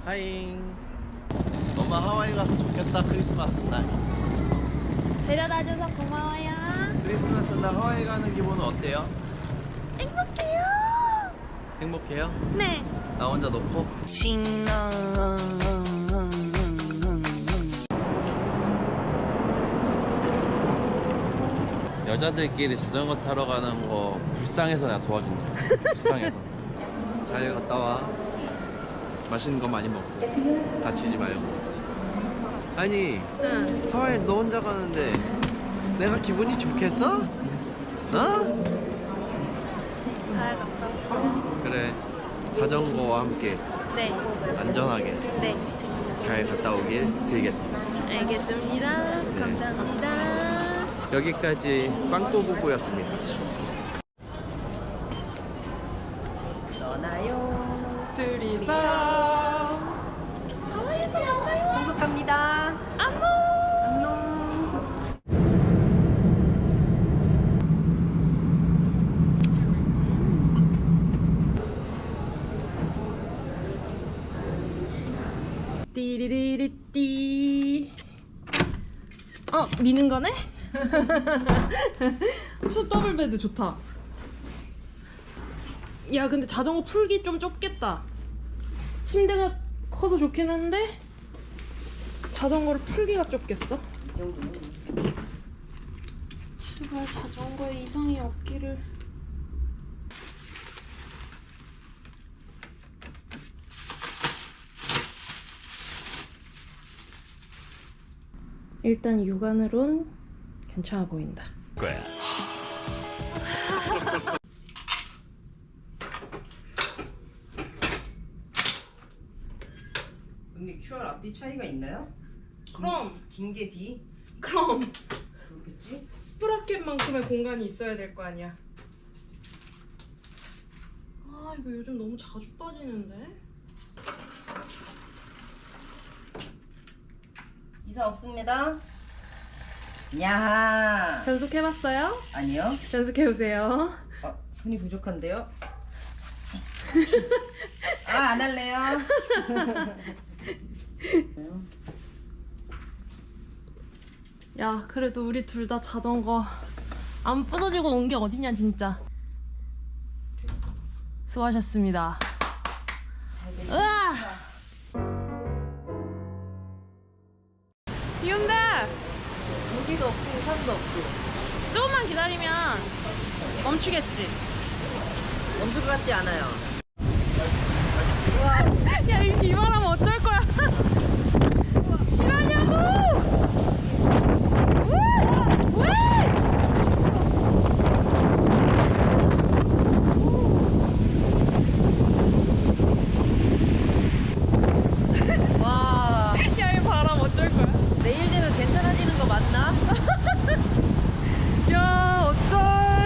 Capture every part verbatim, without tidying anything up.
하잉. 엄마 하와이 가서 좋겠다. 크리스마스 날. 데려다줘서 고마워요. 크리스마스 날 하와이 가는 기분은 어때요? 행복해요. 행복해요? 네. 나 혼자 놓고? 신나. 여자들끼리 자전거 타러 가는 거 불쌍해서 내가 도와준다. 불쌍해서. 잘 갔다 와. 맛있는 거 많이 먹고 다치지 말고. 아니 응. 하와이 너 혼자 가는데 내가 기분이 좋겠어? 어? 잘 갔다 올게요. 그래, 자전거와 함께 네. 안전하게 네. 잘 갔다 오길 빌겠습니다. 알겠습니다. 네. 감사합니다. 여기까지 빵꼬부부였습니다. 떠나요. 둘이서 하와이에서 만나요. 한국 갑니다. 안녕. 안녕. 띠리리리띠. 어, 미는 거네? 투 더블 베드 좋다. 야, 근데 자전거 풀기 좀 좁겠다. 침대가 커서 좋긴 한데 자전거를 풀기가 좁겠어. 이 정도면. 제발 자전거에 이상이 없기를. 일단 육안으론 괜찮아 보인다. 거야. 근데 큐알 앞뒤 차이가 있나요? 그럼 긴 게 뒤? 그럼 그렇겠지? 스프라켓만큼의 공간이 있어야 될 거 아니야. 아, 이거 요즘 너무 자주 빠지는데? 이사 없습니다. 야. 변속해봤어요? 아니요. 변속해보세요. 아, 손이 부족한데요? 아, 안 할래요. 야, 그래도 우리 둘 다 자전거 안 부서지고 온 게 어디냐 진짜. 수고하셨습니다. 으아! 비 온다! 여기도 없고 산도 없고. 조금만 기다리면 멈추겠지. 멈출 것 같지 않아요. 야, 이 비바람 어쩔 거야? 실화냐고! 왜? 왜? 와. 야, 이 바람 어쩔 거야? 내일 되면 괜찮아지는 거 맞나? 야, 어쩔.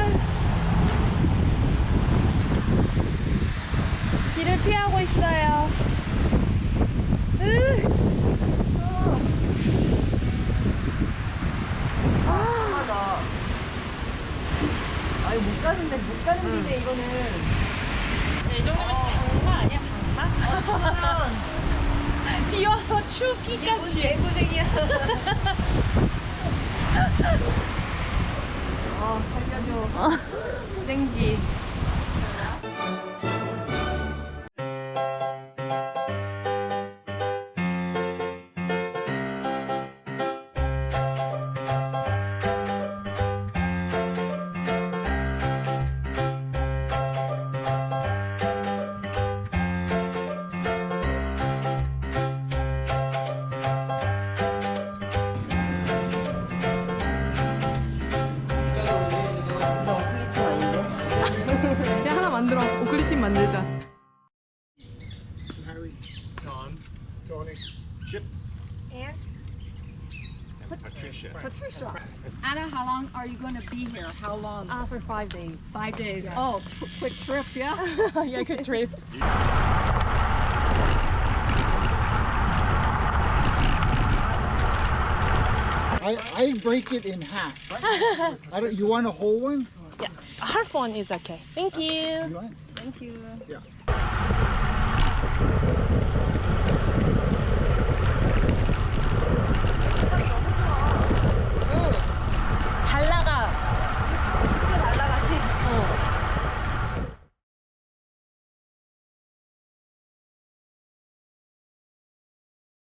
길을 피하고 있어요. 으. 하다. 아, 이거 못 가는데, 못 가는 길인데, 이거는. 이 정도면 장마 아니야, 장마? 비 와서 이게 뭔 추우기까지. 개고생이야. 아, 살려줘. 생기. 나 어플리티 아닌데? 야, 하나 만들어. 오클리팀 만들자. Harry, Don, Tony, Chip, And and Patricia. Patricia. Anna, how long are you going to be here? How long? Ah, for five days. Five days. Oh, t- quick trip, yeah? Yeah, good trip. I, I break it in half. I don't, you want a whole one? Yeah, half one is okay. Thank you. You want? Thank you. Yeah.